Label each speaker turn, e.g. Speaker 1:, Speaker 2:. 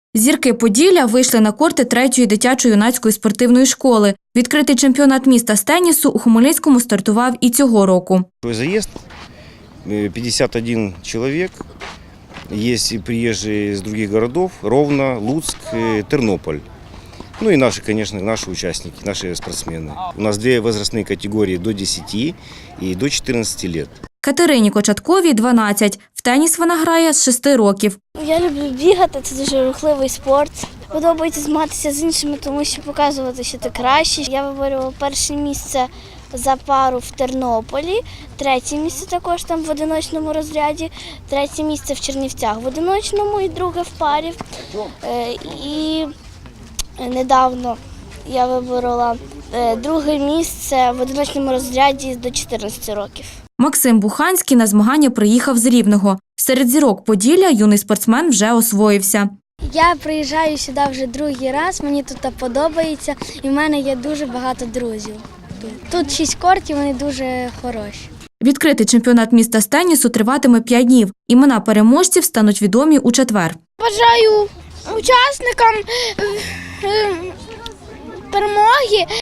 Speaker 1: Зірки Поділля вийшли на корти 3-ї дитячо-юнацької спортивної школи. Відкритий чемпіонат міста з тенісу у Хмельницькому стартував і цього року.
Speaker 2: Заезд 51 человек. Есть и приезжие из других городов – Ровно, Луцк, Тернополь. Ну и наши, конечно, наши участники, наши спортсмены. У нас 2 возрастные категории – до 10 и до 14 лет.
Speaker 1: Катерині Кочатковій – 12. В теніс вона грає з 6 років.
Speaker 3: Я люблю бігати, це дуже рухливий спорт. Подобається змагатися з іншими, тому що показувати, що ти краще. Я виборювала перше місце за пару в Тернополі, 3-е місце також там в одиночному розряді, 3-е місце в Чернівцях в одиночному і 2-е в парі. І недавно я виборола 2-е місце в одиночному розряді до 14 років.
Speaker 1: Максим Буханський на змагання приїхав з Рівного. Серед зірок Поділля юний спортсмен вже освоївся.
Speaker 3: Я приїжджаю сюди вже 2-й раз, мені тут подобається і в мене є дуже багато друзів. Тут 6 кортів, вони дуже хороші.
Speaker 1: Відкритий чемпіонат міста з тенісу триватиме 5 днів. Імена переможців стануть відомі у четвер.
Speaker 3: Бажаю учасникам перемоги.